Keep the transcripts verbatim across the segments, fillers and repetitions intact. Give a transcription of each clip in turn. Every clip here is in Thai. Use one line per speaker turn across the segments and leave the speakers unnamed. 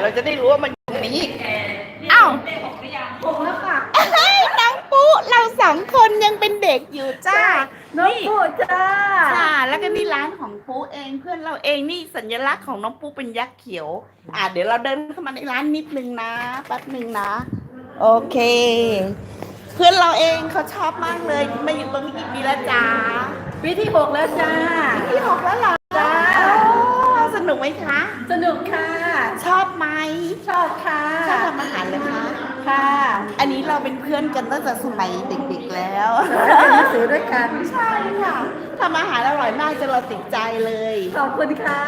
เราจะได้รู้ว่ามันอยู่ตรงนี้อ้าว
หกแล้วค่ะ
เฮ้ยน้องปุ๊เราสองคนยังเป็นเด็กอยู่จ้า
น้องปุ๊จ้า
ค่ะแล้วก็นี่ร้านของปุ๊เองเพื่อนเราเองนี่สัญลักษณ์ของน้องปุ๊เป็นยักษ์เขียวอ่าเดี๋ยวเราเดินเข้ามาในร้านนิดนึงนะแป๊บนึงนะโอเคเพื่อนเราเองเขาชอบมากเลยมาอยู่ตรงนี้กี่ปีแล้วจ้า
ปีที่หกแล้วจ้า
ปีที่หกแล้วเหรอ
จ้า
สนุกไหมคะ
สนุกค่ะ
ชอบไหม
ชอบค่ะ
ชอบทำอาหารเลยคะ
ค่ะ
อันนี้เราเป็นเพื่อนกันตั้งแต่สมัยเด็กๆแล้ว
เรียนหนังสือด้วยกัน
ใช่ค่ะทำอาหารอร่อยมากจนเราติดใจเลย
ขอบคุณค่ะ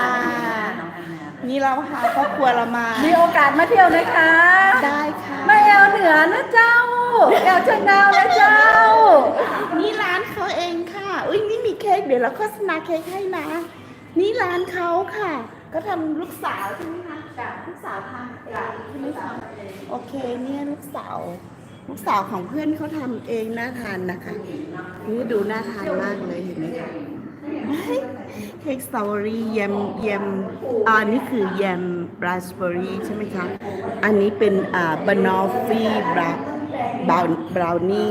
นี่เราพาครอบครัวเรามา
มีโอกาสมาเที่ยวนะคะ
ได้ค่ะ
มาแอวเหนือนะเจ้าแอวเชียงดาวนะเจ้า
นี่ร้านเขาเองค่ะอุ้ยนี่มีเค้กเดี๋ยวเราโฆษณาเค้กให้นะนี่ร้านเขาค่ะก็ทำลูกสาวใช่ไหมคะลูกสาวทำเองใช่ไหมคะโอเคเนี่ยลูกสาวลูกสาวของเพื่อนเขาทำเองน่าทานนะคะนี่ดูน่าทานมากเลยเห็นไหมคะเค้กสตรอเบอรี่แยมแยมอ่านี่คือแยมราสเบอรี่ใช่ไหมคะอันนี้เป็นอ่าบานอฟฟี่บราวบราวบราวนี่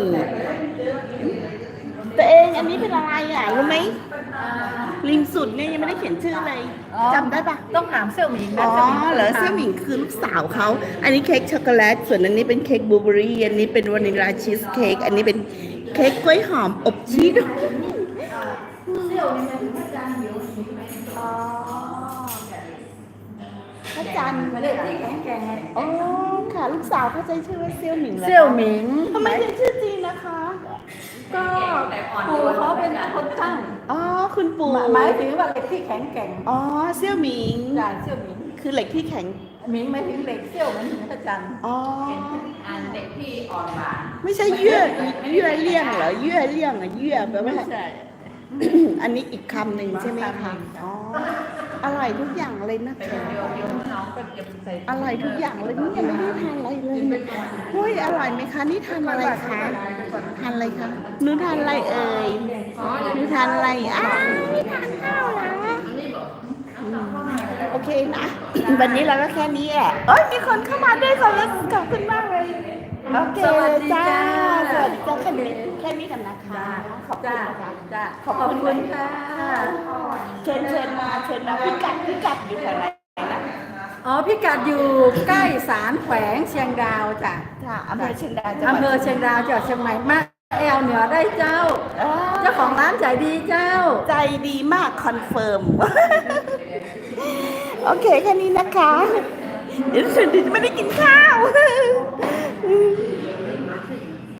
ตัวเองอันนี้เป็นอะไรอ่ะรู้ไหมริมสุดเนี่ยยังไม่ได้เขียนชื่อเลยจำได้ปะ
ต้องถามเสี่ยวหมิงนะ
อ๋อเหรอเซี่ยหมิงคือลูกสาวเขาอันนี้เค้กช็อกโกแลตส่วนอันนี้เป็นเค้กบลูเบอรี่อันนี้เป็นวานิลลาชีสเค้กอันนี้เป็นเค้กกล้วยหอมอบชีส
เสี่ยวหมิงเป็นพระจันทร์อยู่
อ๋อพระจันทร์
เด็กที่แข็งแกร่ง
อ๋อค่ะลูกสาวเขาใจชื่อว่าเซี่ยวหมิงเลย
เสี่ยวหมิง
ทำไมถึงชื่อจีนนะคะ
ก็ปู่เขาเป็นคนตั้ง
อ๋อคุณปู่
หมายถึงว่าเหล็กที่แข็งแกร่ง
อ๋อเซี่ยวหมิง
จ่าเสี่ยวหมิง
คือเหล็กที่แข็ง
หมิงหมายถึงเหล็กเซี่ยวหมายถึงพระจันทร์
อ๋อ
อันเหล็กที่อ่อนหวาน
ไม่ใช่เยื่อเยื่อเลี่ยงเหรอเยื่อเลี่ยงอะเยื่อแปลว่า
ไม่ใช่
อันนี้อีกคำหนึ่งใช่ไหมคะอ๋ออร่อยทุกอย่างเลยนะคะอร่อยทุกอย่างเลยนี่ยังไม่ได้ทานอะไรเลยเฮ้ยอร่อยไหมคะนี่ทานอะไรคะทานอะไรคะหนูทานอะไรเอ่ยหนูทานอะไรอ้าวไม่ทานข้าวเหรอโอเคนะวันนี้เราก็แค่นี้แหละเอ้ยมีคนเข้ามาด้วยขอบคุณขอบคุณมากเลยโอเคจ้าสวัสดีจ้าแค่นี้แค่นี้กันนะคะขอบคุณค่ะ
จ้าขอบคุณค่ะ
เชิญเชิญมาเชิญมาพิกัดพิกัดอยู่แถวไหนนะ
อ๋อพิกัดอยู่ใกล้ศาลแขวงเชียงดาวจ้ะ
ค่ะอำเภอเชียงดาว
อำเภอเชียงดาวจังหวัดเชียงใหม่มากแอลเหนือได้เจ้าเจ้าของร้านใจดีเจ้า
ใจดีมากคอนเฟิร์มโอเคแค่นี้นะคะเดี๋ยวฉันไม่ได้กินข้าว